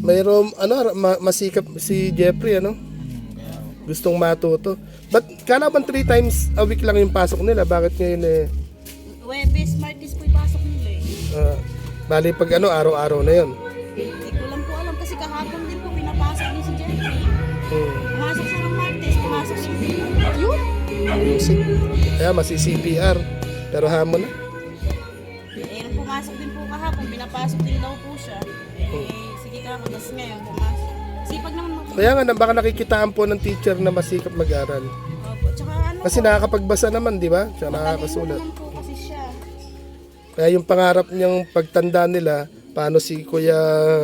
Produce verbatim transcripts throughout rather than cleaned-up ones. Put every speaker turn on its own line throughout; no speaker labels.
mayroong ano, ma- masikap si Jeffrey, ano? Gustong matuto. But kala bang three times a week lang yung pasok nila? Bakit ngayon eh?
Webes, Martes po ipasok nila eh.
Uh, bali pag ano, araw-araw na yun.
Hindi ko lang po alam kasi kahapon din po pinapasok din si Jeffrey.
Hmm.
Pumasok siya ng Martes, pumasok siya ng yun.
Music. Kaya masi-C P R. Pero hamon na.
Eh, nung pumasok din po kahapon, pinapasok din daw po siya. Eh, sige ka, tapos ngayon pumasok. Sipag naman mo.
Kaya nga, baka nakikitaan po ng teacher na masikap mag-aral.
Opo, tsaka ano
Kasi
po,
nakakapagbasa naman, di ba? Tsaka
matalino
nakakasulat.
naman po kasi siya.
Kaya yung pangarap niyang pagtanda nila, paano si Kuya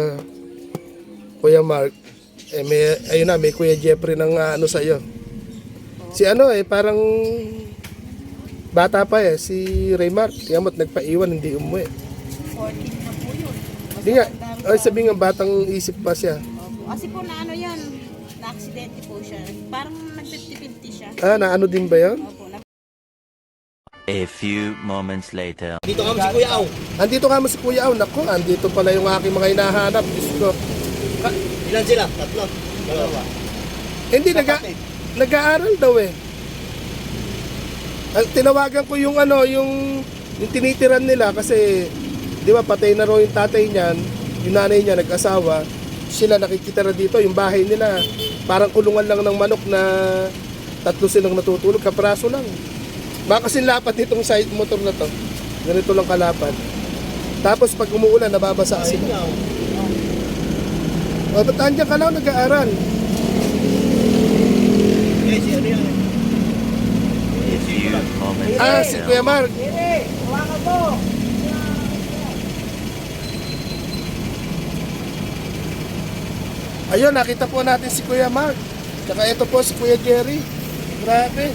Kuya Mark, eh may, ayun na, may Kuya Jeffrey ng uh, ano sa'yo. Si ano eh, parang bata pa eh, si Raymart. Kaya mo't nagpaiwan, hindi umuwi.
fourteen na po yun. Mas
Hindi nga,
matanda
ay
pa.
sabi nga, batang isip pa siya.
Opo, kasi po na ano yan, na-aksidente po siya. Parang nag-fifty fifty siya.
Ah, na ano din ba yun?
Opo, na
A few moments later.
Dito kami si Kuya Aw.
Andito ka mo si Kuya Aw. Naku, andito pala yung aking mga hinahanap. Diyos ko.
Ilan sila? Tatlo. Dalawa.
Hindi, naga, nag-aaral daw eh. Ang tinawagan ko yung ano, yung, yung tinitiran nila kasi, di ba, patay na raw yung tatay niyan, yung nanay niya nag-asawa, sila nakikitira dito, yung bahay nila, parang kulungan lang ng manok na tatlo silang natutulog, kapraso lang. Baka kasi lapat nitong side motor na to. Ganito lang kalapad. Tapos pag umuulan, nababasa
Ayun
sila.
nga.
O, ba't andyan ka lang nag-aaral?
Eh, si ano yan?
A few moments
Ah, si
later.
Kuya Mark. Ayun, nakita po natin si Kuya Mark. Tsaka ito po si Kuya Jerry. Grabe.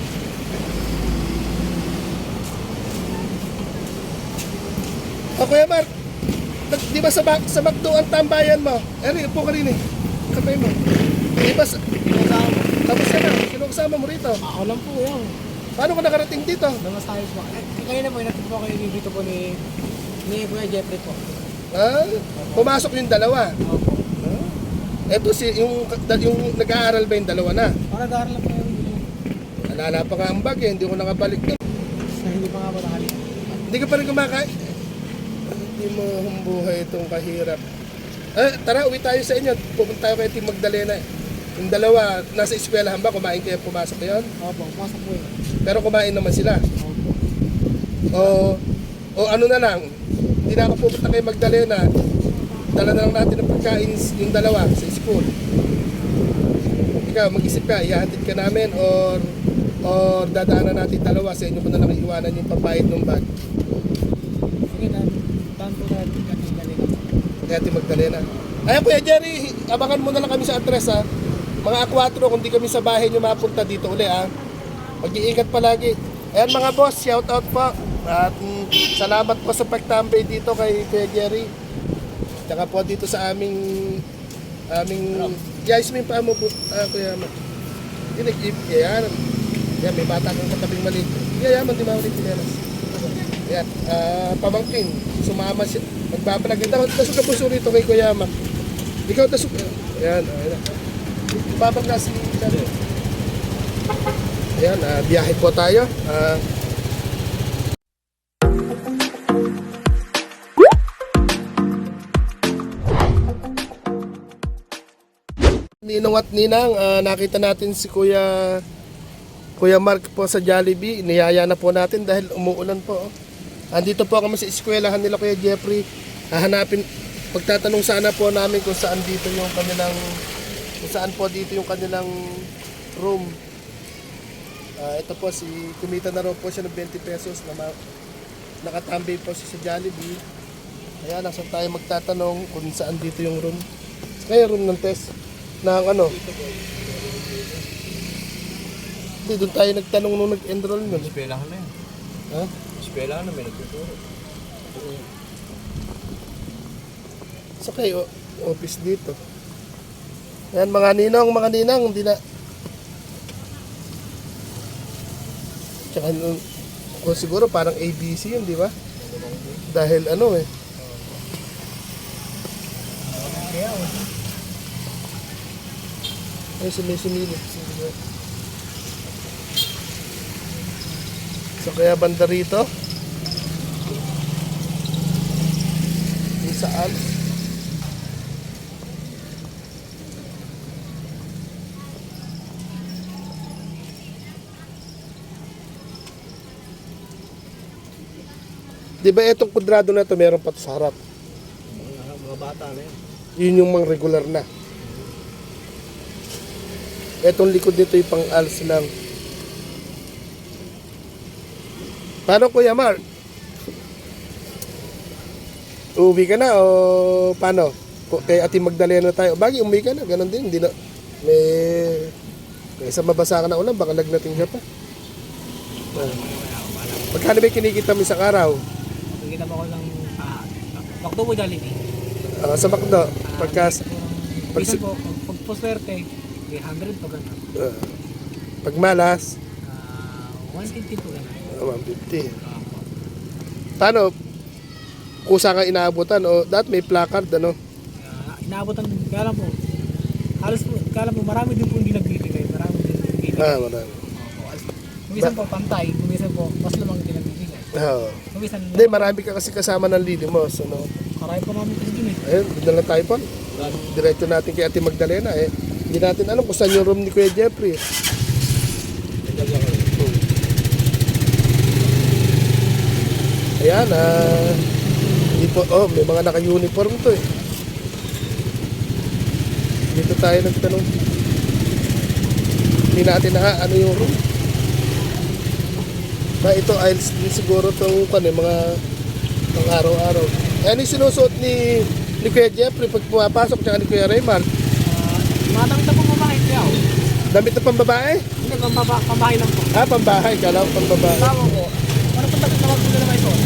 O Kuya Mark, nag- di ba sa, bak sa Macdo ang tambayan mo? Eri, upo ka rin eh. Kapay mo. Di ba sa... Tapos ka na, sino kasama mo rito?
Ako lang po yan.
Paano ka nakarating dito?
Damas tayo po. Eh, Kaya na po, inatid po kayo dito po ni ni Kuya Jeffrey po.
Ah, pumasok yung dalawa.
Opo.
Eto si yung yung nag-aaral ba yung dalawa na?
Para nag-aaral lang po yung dito.
Nalala pa nga ang bag eh, hindi ko nakabalik na.
Sa hindi pa nga po nakalik.
Hindi ka pa rin kumakain. Hindi mo humbuhay itong kahirap. Eh, tara, uwi tayo sa inyo. Pupunta tayo kay Team Magdalena. Yung dalawa, nasa eskwelahan ba? Kumain kayo, pumasok yun?
Opo, pasok po yun.
Pero kumain naman sila.
Opo.
O, o ano na lang, hindi na ako pupunta kay Magdalena. Dala na lang natin ng pagkain yung dalawa sa school. Ikaw, mag-isip ka, ihahatid ka namin or or dadaanan natin dalawa sa inyo ko na lang iiwanan yung pambayad ng bag.
Sige na, tahan po natin kami galing.
Kaya Team Magdalena. Ayun Kuya Jerry, abangan mo na lang kami sa address ha. Mga akwatro, kung di kami sa bahay nyo mapunta dito uli ha. Mag-iingat palagi. Ayan mga boss, shout out po. At mm, salamat po sa pagtambay dito kay Kuya Jerry. Tsaka po dito sa aming aming guys, may pa mo po uh, Kuya Mark. Dinig, yan. Yan, may bata kang katabing maliit. Yan, yaman, di ba ulit pinelas. Yan, ah, pamangkin. Sumama siya. Magbabalag. Dasok ka po so rito kay Kuya Mark. Ikaw dasok. Yan, ayan. Babag na si Charlie. Ayan, ah, biyahe po tayo. Ah, Ninong at Ninang, ah, nakita natin si Kuya Kuya Mark po sa Jollibee. Niyaya na po natin dahil umuulan po. Oh. Andito po kami sa eskwelahan nila Kuya Jeffrey. Hahanapin, pagtatanong sana po namin kung saan dito yung kanilang kung saan po dito yung kanilang room. Ah, ito po si kumita na raw po siya ng twenty pesos na ma- nakatambay po siya sa Jollibee. Ayan, nasa tayo magtatanong kung saan dito yung room. Kaya room ng test ng ano. Hindi, doon tayo nagtanong nung nag-enroll nun.
Eskwelahan na yan.
Ha?
Eskwelahan na may nagtuturo.
So kayo, office dito. Yan mga ninong, mga ninang, hindi na. Tsaka o siguro parang A B C yun, di ba? Dahil ano eh.
Kaya,
Ay, sa may sumili. So, kaya banda rito. Yung sa Alps. Di ba itong kudrado na ito, meron pa to sa harap?
Mga, mga bata na yan.
Yun yung mga regular na. Etong likod nito yung pang Alps lang. Paano Kuya Mark? Uuwi ka na o paano? Ku- Kay Ate Magdalena tayo. Bagay, umuwi ka na. Ganon din. Hindi na. May... May isang mabasa ka na ulan. Baka lagnating ka pa. Ah. Magkano ba yung kinikita mo isang araw?
Nakikita mo ko lang ah, Bakto po Jollibee.
Ah, sa McDo. Pagka... pag-
Pag po, pag, pag po swerte, three hundred po gano'n.
ah, pag malas,
Ah, one fifty po gano'n.
ah, one fifty.
Ah, po.
Paano? Kusa kang inaabutan o dahil may placard ano?
Ah, inaabotan, kaya lang po, halos po, kaya lang po, marami din po hindi nagbibigay. Marami din po hindi
Ah, marami.
Kumisan po pantay, kumisan po, mas lamang din nagbibigay.
Oo.
Kumisan,
Hindi, marami ka kasi kasama ng Lidimos. Ano?
karay po namin kasi dun eh.
Ayun, doon na lang tayo po. Diretso natin kay Ate Magdalena eh. Hindi natin alam kung saan yung room ni Kuya Jeffrey. Ayan, ah... Di po, oh, may mga naka-uniform to eh. Dito tayo nagtanong. Hindi natin na ano yung room. Ba, ito aisles din siguro itong kan, eh, mga pang araw-araw. Ayan yung sinusuot ni, ni Kuya Jeffrey pag pumapasok tsaka ni Kuya Raymar.
Ah, matang sa po babae kaya oh.
Damit na pambabae?
Hindi, pambaba, pambahay lang po.
Ah, pambahay. Kala ko pambabae.
Tama po. Ano po tapos na wag po na naman ito?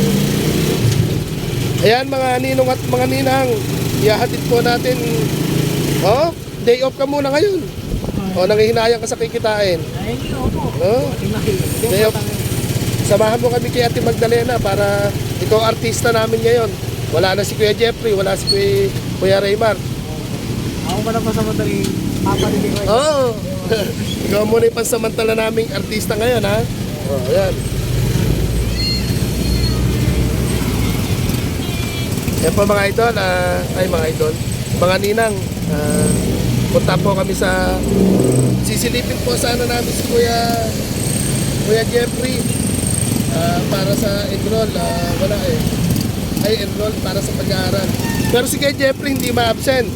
Ayan mga ninong at mga ninang. Ihahatid po natin. Oh, day off ka muna ngayon. O, nangihinayang ka sa kikitain.
Ay, hindi po.
Oh,
Tingnan.
day off. Samahan mo kami kay Ate Magdalena para ikaw artista namin ngayon. Wala na si Kuya Jeffrey, wala si Kuya, Kuya Raymar.
Ako pa na pa sa madaling paparinig ko.
Oo. Oh. Ikaw muna yung pansamantala naming artista ngayon, ha? Oh, ayan. Yan po mga idol, ah, ay mga idol, mga ninang, ah, punta po kami sa, sisilipin po sana namin si Kuya, Kuya Jeffrey, ah, para sa enroll, ah, wala eh, ay enroll para sa pag-aaral. Pero si Kuya Jeffrey hindi ma-absent.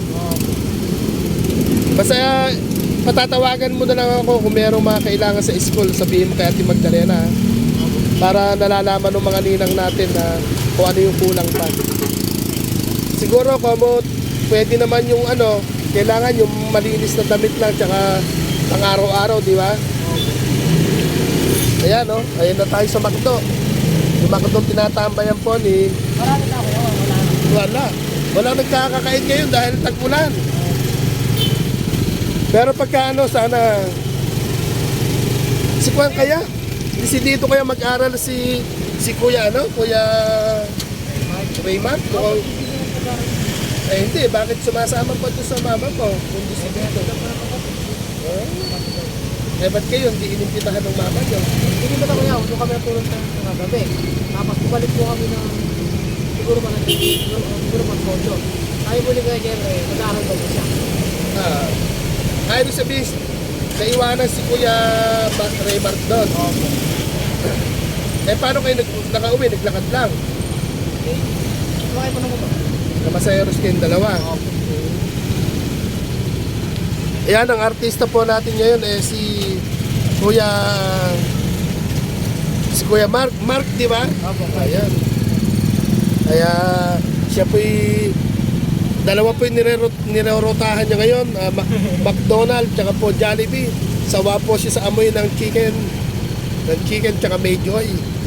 Basta patatawagan mo na lang ako kung mayroong mga kailangan sa school, sabihin mo kay Ate Magdalena, ha? Para nalalaman ng mga ninang natin na kung ano yung kulang pa. Siguro kung pwede naman yung ano, kailangan yung malinis na damit lang tsaka pang araw-araw, di ba? Ayan, no? Ayan na tayo sa McDo. Yung McDo tinatambayan po ni...
Marami na ako. Oh, wala na.
Wala. Walang nagkakakain ngayon dahil tag-ulan. Pero pagka ano, sana... Si Kuya kaya? Si dito kaya mag-aral si... Si Kuya ano? Kuya... Raymar? Mukhang... Eh hindi, bakit sumasama pa doon sa mama ko? Kung gusto dito. Eh, eh ba't kayo hindi inimbitahan ng mama nyo?
Hindi ba tayo doon kami natulog sa gabi. Tapos bumalik po kami ng siguro man siguro, siguro man kondo. Tayo muli kay Jerry, mag-aaral daw po siya.
Ah, ay, ibig sabihin, naiwanan si Kuya Ba- Raymar doon.
Opo.
Eh paano kayo nag nakauwi? Naglakad lang.
Eh, sumakay po naman po.
Namasayaros kayong dalawa.
Opo.
Ayan, ang artista po natin ngayon eh si Kuya si Kuya Mark. Mark, di ba?
Opo.
Ayan. Kaya siya po'y dalawa po yung nirerot- nirerotahan niya ngayon. ah, Ma- McDonald's tsaka po Jollibee. Sawa po siya sa amoy ng chicken. Ng chicken tsaka Mayjoy.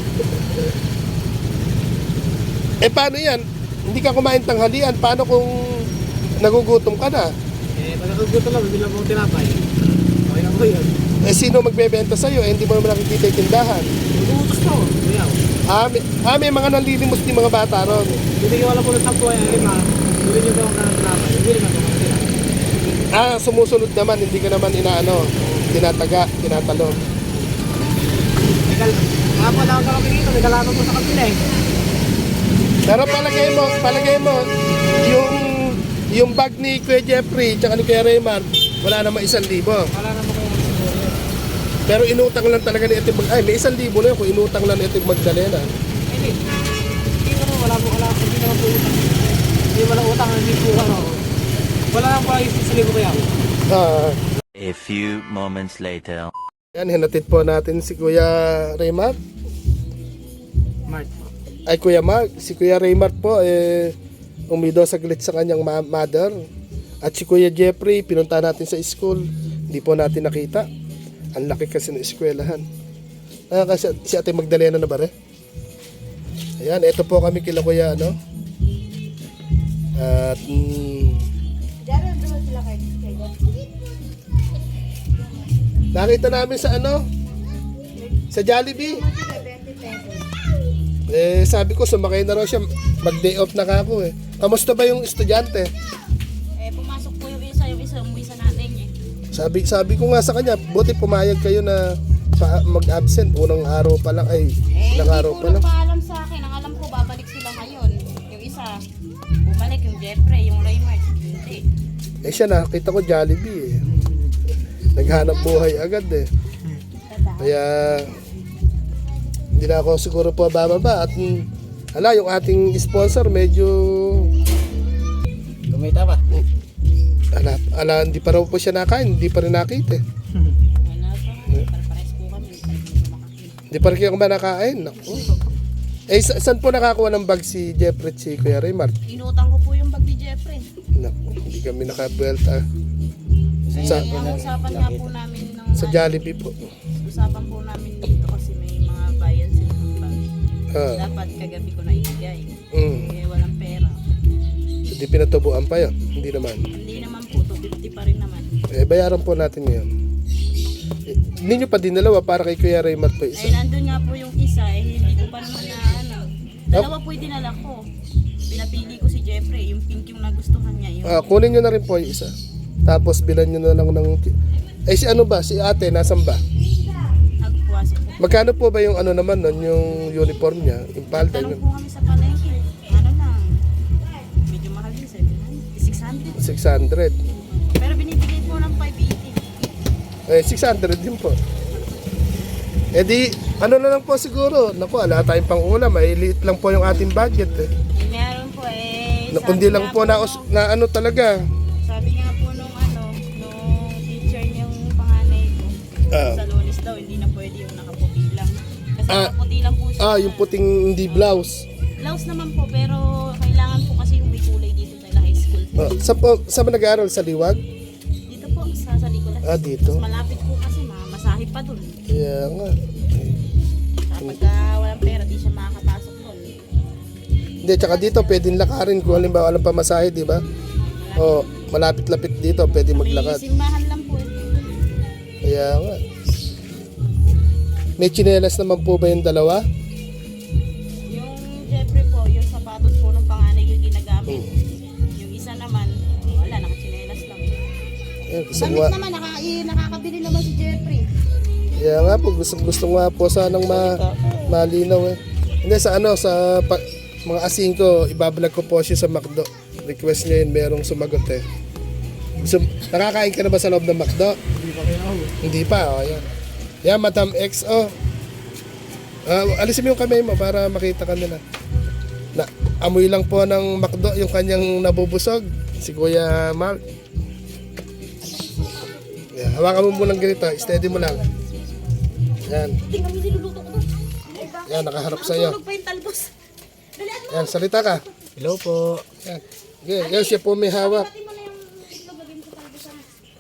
Eh paano yan? Hindi ka kumain tanghalian. Paano kung nagugutom ka na?
Eh, pag nakaguto lang, bilang po tinapay. Okay lang po yun.
Eh sino magbebenta sa'yo? Eh hindi mo naman nakikita yung tindahan.
Mag-uutos po. Kuya.
Ah, may, ah, may mga nanlilimos din mga bata ron.
Hindi ko wala po ng sampo ay lima. Bili niyo daw ang tinapay. Bili na po.
Ah, sumusunod naman, hindi ka naman inaano, tinataga, tinatalon.
Nagal, mga pala ako kami dito, nagalaman mo sa kapila eh.
Pero palagay mo, palagay mo, yung yung bag ni Kuya Jeffrey tsaka ni Kuya Raymond, wala namang isang libo.
Wala naman kayo siguro yun.
Pero inutang lang talaga ni Ate Mag... Ay, may isang libo na yun kung inutang lang ni Ate Magdalena.
Hindi. Hindi ko naman, wala po, wala, hindi naman po utang. Hindi wala utang, hindi po ano. Wala lang po lang isip sa libo kaya.
Ah,
A few moments later.
yan, hinatid po natin si Kuya Raymond.
Mart po.
Ay, Kuya Mark. Si Kuya Raymond po, eh, umido saglit sa kanyang ma- mother. At si Kuya Jeffrey, pinunta natin sa school. Hindi po natin nakita. Ang laki kasi ng eskwelahan. Ah, kasi si Ate Magdalena na ba rin? Ayan, ito po kami kila Kuya, ano? At, mm, nakita namin sa ano? Sa Jollibee. Eh, sabi ko, sumakay na raw siya. Mag-day off na ka ako eh. Kamusta ba yung estudyante?
Eh, pumasok po yung isa, yung isa, umuwi sa nanay niya.
Sabi sabi ko nga sa kanya, buti pumayag kayo na pa- mag-absent. Unang araw pa lang, ay,
Eh,
ilang
hindi
araw
po
pa lang.
nagpaalam sa akin. Ang alam ko, babalik sila ngayon. Yung isa, bumalik yung Jeffrey, yung Raymart. Hindi.
Eh siya, nakita ko Jollibee eh. Naghanap buhay agad eh. Kaya, hindi na ako siguro po bababa. At, mm, hala, yung ating sponsor medyo,
Kumita ba?
ala, ala, hindi pa raw po siya nakain. Hindi pa rin nakita eh.
Wala pa. Pare-pares po kami. Hindi po makakita.
Hindi pa rin kayo ba nakain? Naku. Eh, sa- saan po nakakuha ng bag si Jeffrey at si Kuya Raymart?
Inutang ko po yung bag ni Jeffrey.
Naku, hindi kami nakabuelta. Sa,
Kaya ang usapan nga po namin ng
sa Jollibee po.
usapan po namin dito kasi may mga bayan sila ng bag.
Ah,
Dapat kagabi ko na ibigay.
mm.
Eh, walang pera.
Hindi pinatubuan pa yun. Hindi naman.
Hindi naman po, two fifty pa rin naman.
Eh, bayaran po natin ngayon. Eh, hindi nyo pa dinalawa para kay Kuya Raymart po
Eh,
isa.
nandun nga po yung isa, eh, hindi ko pa naman na ano. Dalawa po yung dinala ko. Pinapili ko si Jeffrey, yung pink yung nagustuhan niya. Yung
Ah, kunin nyo na rin po yung isa. Tapos bilan nyo na lang ng... Eh, si ano ba? Si ate, nasan ba?
nagpuwasok po.
Magkano po ba yung ano naman nun, yung uniform niya? Yung palda
Tanong
niya?
po kami sa palengke. Ano lang, medyo mahal din, seven hundred, six hundred.
six hundred.
Pero binibigay po ng five eighty.
Eh, six hundred din po. Eh di, ano na lang po siguro. Naku, ala tayong pang ulam. Ay, liit lang po yung ating budget eh.
Eh, meron po eh.
Na, kundi
sabi
lang
nga
po na,
nung-
na ano talaga.
Sabi nga po nung ano, nung teacher niyang panganay ko,
Ah.
sa Lunes daw, hindi na pwede yung nakaputi lang. Kasi
Ah.
nakaputi lang po siya.
Ah, yung puting hindi blouse.
Blouse naman po, pero kailangan po kasi yung may kulay dito sa high school.
Ah, sa po, sa ba nag-aaral sa Liwag?
Dito po, sa, sa Nicolas.
Ah, dito.
Mas malapit po kasi, ma masahib pa dun.
Kaya nga.
Kapag ah, walang pera, di siya makakapasok dun.
Hindi, tsaka dito pwedeng lakarin kung halimbawa walang pamasahe, di ba? O, malapit-lapit dito, pwede
May
maglakad.
simbahan lang po. eh.
Kaya nga. May tsinelas naman po ba yung dalawa?
Yung Jeffrey po, yung sapatos po ng panganay yung ginagamit.
Hmm.
Yung isa naman, wala, nakachinelas lang.
Ayan, gusto
Damit
nga,
naman, naka, eh, nakakabili naman si Jeffrey.
kaya nga po, gusto, gusto nga po sanang ma, malinaw eh. Hindi, sa ano, sa pa, mga asing ko, ibablog ko po siya sa McDo. Request niya yun, merong sumagot eh. So, nakakain ka na ba sa loob ng McDo?
Hindi pa kayo ako.
Hindi pa, oh, yan. Yan, Madam X, oh. Ah, alisin mo yung kamay mo para makita ka nila. Na, amoy lang po ng McDo yung kanyang nabubusog. Si Kuya Mark. Yan, hawakan mo munang ganito. Steady mo lang. Yan.
Tingnan mo yung niluluto ko doon.
Yan, nakaharap sa iyo.
Tulog pa yung talbos. Dali, ate,
Yan, salita ka.
Hello po.
Yan. Yan, yan siya po may hawak.
pati mo na yung itlog, lagyan mo sa talbos. ah.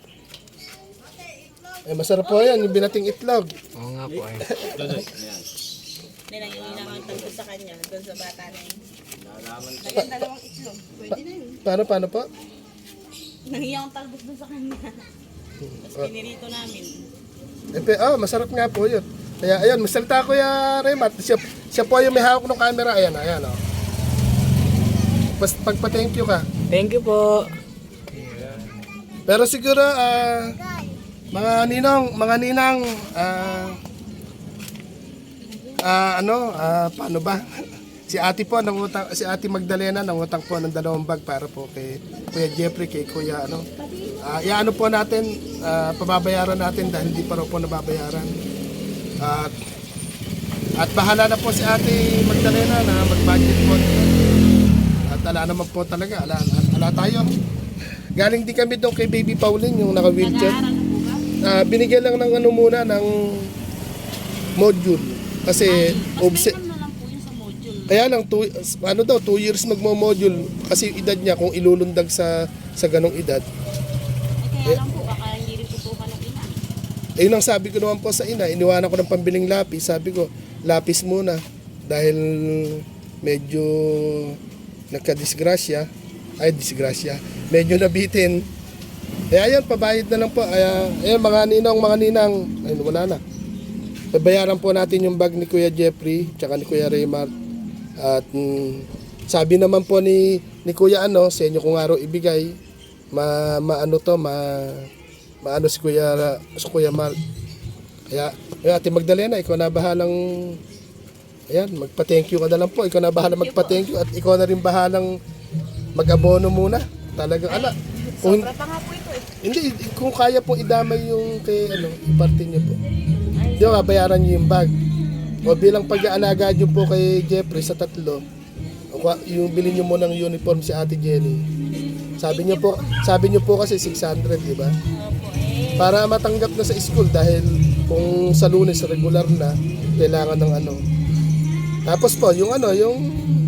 Eh, masarap po yan, yung binating itlog.
Oo nga po eh.
Nilang yung ang talbos sa kanya, doon sa bata na yun. Lagyan dalawang itlog. Pwede na yun.
Paano, paano po?
Nangiyang talbos doon sa kanya. Tapos pinirito namin.
Eh, pe- oh, masarap nga po yun. Kaya, ayun, masalita ko ya Remat. Siya, siya po yung may hawak ng camera. Ayan, ayan, oh. Pas, pagpa-thank you ka.
Thank you po.
Pero siguro, ah, mga ninong, mga ninang, ah, ah, ano, ah, paano ba? Si ate po, nangutang, si ate Magdalena, nangutang po ng dalawang bag para po kay Kuya Jeffrey, kay Kuya, ano. Ah, iaano po natin, ah, pababayaran natin dahil hindi pa raw po nababayaran. At, at bahala na po si ate Magdalena na mag-budget po. At ala naman po talaga, ala, ala, ala tayo. Galing din kami doon kay Baby Pauline, yung naka-wheelchair.
Nag-aaral na po ba?
Ah, binigyan lang ng ano muna, ng module. Kasi,
Mas
obse-
minimum na lang po yun sa module.
kaya lang, two, ano daw, two years magmo-module. Kasi yung edad niya, kung ilulundag sa, sa ganong edad.
Eh, kaya lang po, baka hindi rin tutukan ng ina.
Ayun ang sabi ko naman po sa ina, iniwanan ko ng pambiling lapis. Sabi ko, lapis muna. Dahil medyo nagka-disgrasya. Ay, disgrasya. Medyo nabitin. Eh, ayun, pabayad na lang po. Ay, ayun, mga ninong, mga ninang. Ayun, wala na. Babayaran po natin yung bag ni Kuya Jeffrey, tsaka ni Kuya Raymart. At mm, sabi naman po ni, ni Kuya ano, sa inyo kung araw ibigay, ma, maano to, ma, maano si Kuya, si Kuya Mark. Kaya, ayun, Ate Magdalena, ikaw na bahalang, ayan, magpa-thank you ka na lang po. Ikaw na bahalang magpa-thank you at ikaw na rin bahalang mag-abono muna. Talagang, ala, kung,
Sobra pa nga po ito eh.
hindi, kung kaya po idamay yung kay, ano, iparte niyo po. Di ba, bayaran niyo yung bag. O bilang pag-aalaga niyo po kay Jeffrey sa tatlo, o kwa- yung bilhin niyo mo ng uniform si Ate Jenny. Sabi niyo po, sabi niyo po kasi six hundred, di ba?
Opo eh.
Para matanggap na sa school dahil kung sa Lunes regular na, kailangan ng ano. Tapos po, yung ano, yung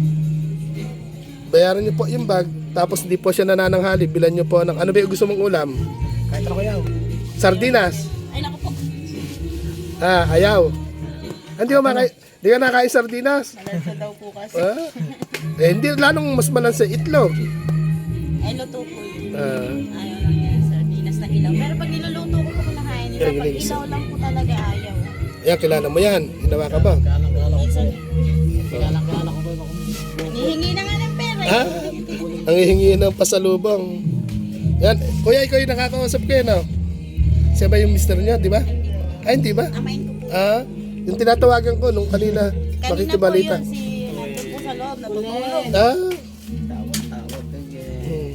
bayaran niyo po yung bag, tapos hindi po siya nanananghali, bilan niyo po ng, ano ba yung gusto mong ulam?
Kahit ako yaw.
Sardinas.
Ay, naku po.
Ah, ayaw. Hindi ko makain, hindi ka nakain sardinas.
Malansa daw po kasi.
Ah? Eh, hindi, lalong mas malansa itlog.
Ay, luto po yun.
Ah,
Ayaw lang yan, sardinas na hilaw. Pero pag niluluto ko po kinakain nila, pag ilaw lang po talaga ayaw.
yan, kilala mo yan. Ginawa ka ba?
Kalang-kala ko.
Minsan,
Kalang-kala ko ba ako?
nihingi na nga ng pera eh.
Ha? Ang hihingi ng pasalubong. Yan, kuya, ikaw yung nakakausap ko yun, no? Siya ba yung mister niya, di ba? Ay, hindi ba?
Amain ko po.
Ah, yung tinatawagan ko nung kanina,
Kanina po
makikibalita.
yun, si nandun po sa loob, natutulog.
Ah,
Tawad-tawad.
hmm.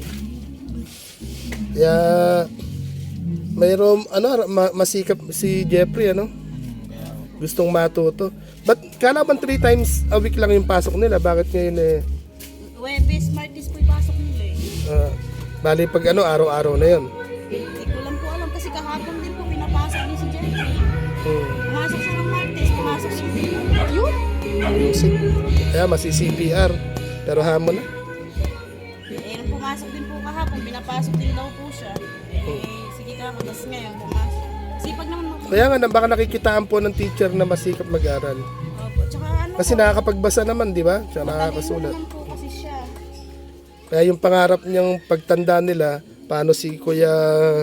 Kaya, mayroong, ano, ma- masikap si Jeffrey, ano? Gustong matuto. But, kala bang three times a week lang yung pasok nila? Bakit ngayon eh?
Webes, Martis po ipasok nila eh.
Ah, bali pag ano, araw-araw na yun.
Hindi ko lang po alam kasi kahapon din po pinapasok din si Jeffrey.
Hmm.
Pumasok siya ng Martes, pumasok siya ng yun.
Music. Kaya masi-C P R. Pero hamon na.
Eh, nung pumasok din po kahapon, pinapasok din daw po siya. Eh, sige ka, tapos ngayon pumasok. Sipag naman mo.
Kaya nga, baka nakikitaan po ng teacher na masikap mag-aral.
Opo, tsaka ano
Kasi
po,
nakakapagbasa naman, di ba? Siya
matalino
nakakasulat.
naman po kasi siya.
Kaya yung pangarap niyang pagtanda nila, paano si Kuya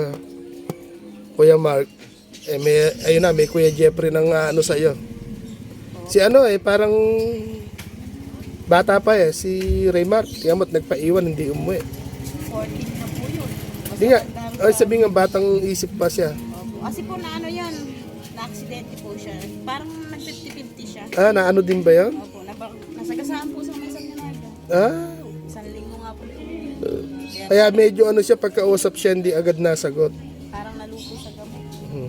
Kuya Mark, eh may, ayun na, may Kuya Jeffrey ng uh, ano sa'yo. Si ano eh, parang bata pa eh, si Raymart. Kaya mo't nagpaiwan, hindi umuwi.
fourteen na po yun. Mas
Hindi nga,
matanda
ay
pa.
sabi nga, batang isip pa siya.
Opo, kasi po na ano yan, na-aksidente po siya. Parang nag-fifty-fifty siya.
Ah, na ano din ba yun?
Opo, napa- nasagasaan po sa may Sanyanada.
Ah,
Isang linggo nga po.
kaya medyo ano siya, pagkausap siya, hindi agad nasagot.
Parang nalupo sa gamot.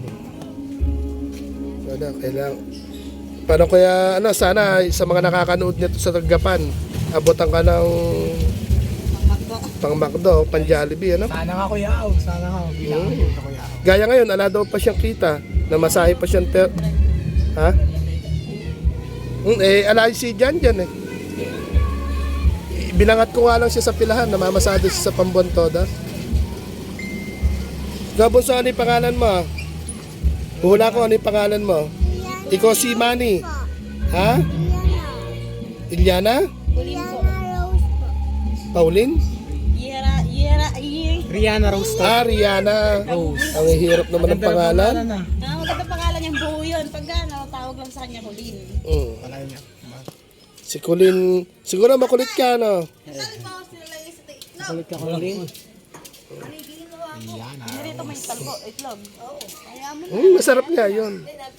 Wala, kailangan. Paano kaya, ano, sana sa mga nakakanood nito sa Tagapan, abutan ka ng
Ang magdo.
pang McDo, pang Jollibee, ano?
Sana nga kuya yaw. Sana nga. Bilang
Hmm.
ko kuya yaw.
Gaya ngayon, ala daw pa siyang kita, namasahe pa siyang per... Ha? Hmm, eh, ala si Jan Jan eh. Binangat ko nga lang siya sa pilahan, namamasado siya sa Pambuan Toda. Gabon, sa ano yung pangalan mo? Hula ko, ano yung pangalan mo? Ikaw si Manny. Ha? Ilyana?
Kulin po.
Pauline?
Yera, yera, yera.
Rihanna Rose to.
Ah, Rihanna. Ang hirap naman ng pangalan.
na.
Ah, maganda pangalan niyang buo yun. Pag ano, tawag lang sa kanya Kulin.
Mm.
Wala niya.
Si Colin, siguro makulit ka, no?
Kulit ka kulit.
Yan,
Hindi rito may talbo, itlog. Kaya mo na.
Mm, masarap nga yun.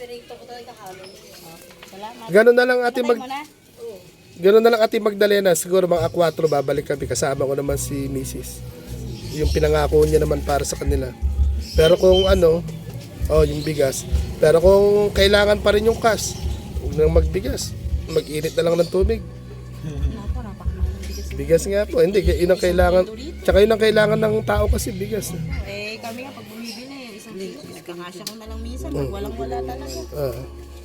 Salamat.
Ganun na lang ating
Sabay
mag...
mo na.
Ganun na lang ating Magdalena. Siguro mga akwatro babalik kami. Kasama ko naman si Missus Yung pinangako niya naman para sa kanila. Pero kung ano, oh, yung bigas. Pero kung kailangan pa rin yung cash, huwag nang magbigas. Mag-init na lang ng tubig.
Naku, napakamahal ng bigas.
Bigas nga po. Hindi, yun ang kailangan. Tsaka yun ang kailangan ng tao kasi bigas.
Eh, kami nga pag bumibili, isang kilo, nagkakasya ko na lang minsan, pag walang wala talaga.
Ah.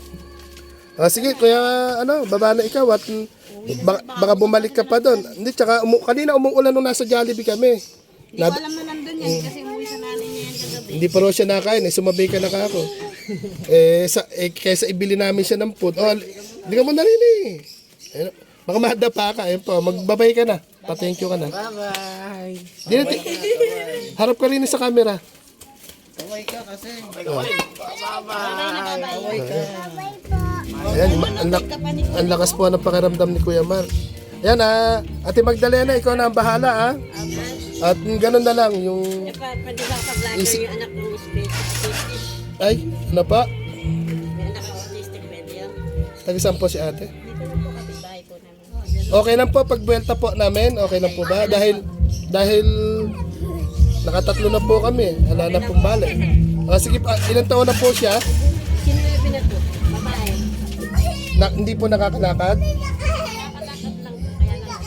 Ah, sige, kuya, ano, baba na ikaw at mm, baka, baka bumalik ka pa doon. Hindi, tsaka umu- kanina umuulan nung nasa Jollibee kami.
Hindi ko alam na nandun yan, kasi umuwi sa nanay niya yan kagabi.
Hindi pa raw siya nakain, eh, sumabay ka na ka ako. eh, sa, eh, kaysa ibili namin siya ng food. Oh, hindi ka mo na rin eh. Ayun, baka mahadapa ka, ayun po, magbabay ka na. Pa-thank you ka na.
Bye-bye.
Dito, harap ka rin sa camera.
Kaway ka kasi.
Oh.
Kaway ka.
Ayan, ma- ang, lak- ang lakas po ng pakiramdam ni Kuya Mar. Ayan ah, Ate Magdalena, ikaw na ang bahala ah. At mm, ganun na lang yung...
Pwede ba ka-vlogger
Isi-
yung anak ng space?
Ay, ano pa?
May anak ng autistic, pwede yan?
Taga-saan po si ate?
Dito lang po kapitbahay po namin.
Okay lang po pag buwelta po namin, okay lang po ba? Dahil dahil nakatatlo na po kami, wala na pong balik. Ah, sige pa, ilang taon na po siya?
Sino yung binato? Babae.
Na, hindi po nakakalakad?
Nakakalakad lang po, kaya lang.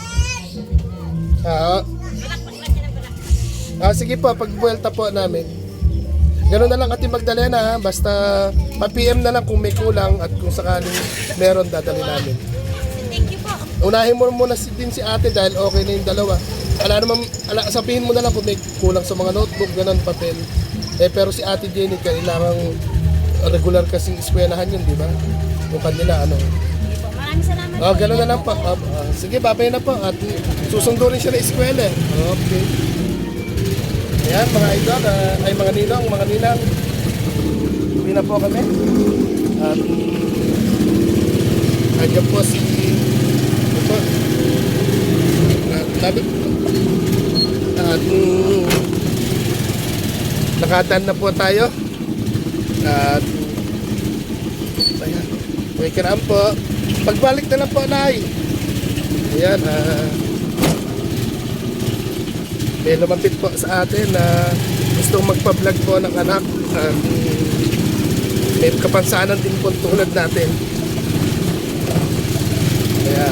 Ah,
Malakpak lang siya ng balak.
ah, sige po, pag buwelta po namin. Ganun na lang Ate Magdalena ha, basta pa-P M na lang kung may kulang at kung sakaling meron dadali namin.
Thank you po.
Unahin mo muna si, din si ate dahil okay na yung dalawa. Ala naman, ala, sabihin mo na lang kung may kulang sa mga notebook, ganun, papel. Eh, pero si ate Jenny, kailangan regular kasing eskwelahan yun, di ba? Yung kanila, ano.
Maraming salamat
Oh,
po.
ganun na lang po. Ah, ah, sige, babay na po. At susundo rin siya na eskwela. eh. Okay. Ayan, mga idol, ah, ay mga ninong, mga ninang. Uwi na po kami. At andyan po si ito. At sabi at mm, nakatan na po tayo. At ayan, may kiraan po. Pagbalik na lang po, Nay. Ayan, ah may lumapit po sa atin na gustong magpa-vlog po ng anak at may kapansanan din po tulad natin. Kaya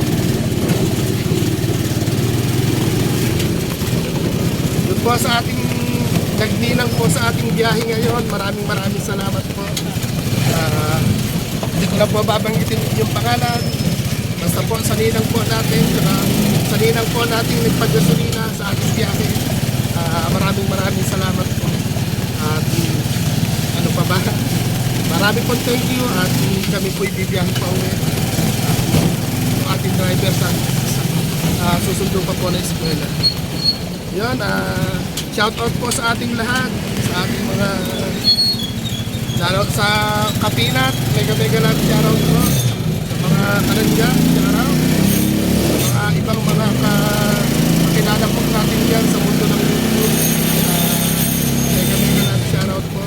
doon po sa ating nagninang po sa ating biyahe ngayon, maraming maraming salamat po. Ah, hindi ko na po babanggitin yung pangalan. Basta po sa ninang po natin, saka sa ninang po natin nagpagasolina sa ating biyahe. Ah, maraming maraming salamat po. At mm, ano pa ba? Maraming po thank you at mm, kami po ibibiyahe pa uwi. At yung ating driver sa, sa ah, susundo pa po na eskwela. Yun, ah, shout out po sa ating lahat, sa ating mga lalo sa Kapinat, mega mega lang shout out po. Mga karanja, araw, mga ibang mga kakilala po natin yan sa mundo ng YouTube. Uh, mega mega lang shoutout po.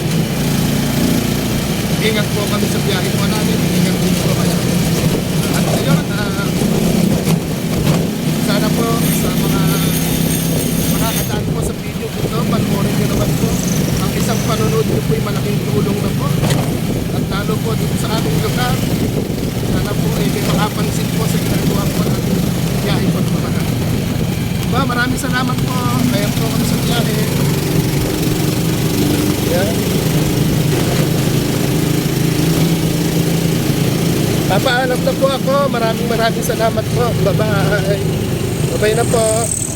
Uh, ingat po kami sa biyahe po namin, ingat din po kayo. At ayun, uh, sana po sa mga makakadaan po sa video ko ito, panoorin nyo naman po. Ang isang panonood nyo po ay malaking tulong na po. At lalo po dito sa aming lugar, sana po ay may makapansin po sa ginagawa po natin biyahe po po na. Diba, maraming salamat po. Kaya po kami sa biyahe. Yan. Papaalam na po ako. Maraming maraming salamat po. Bye-bye. Bye-bye na po.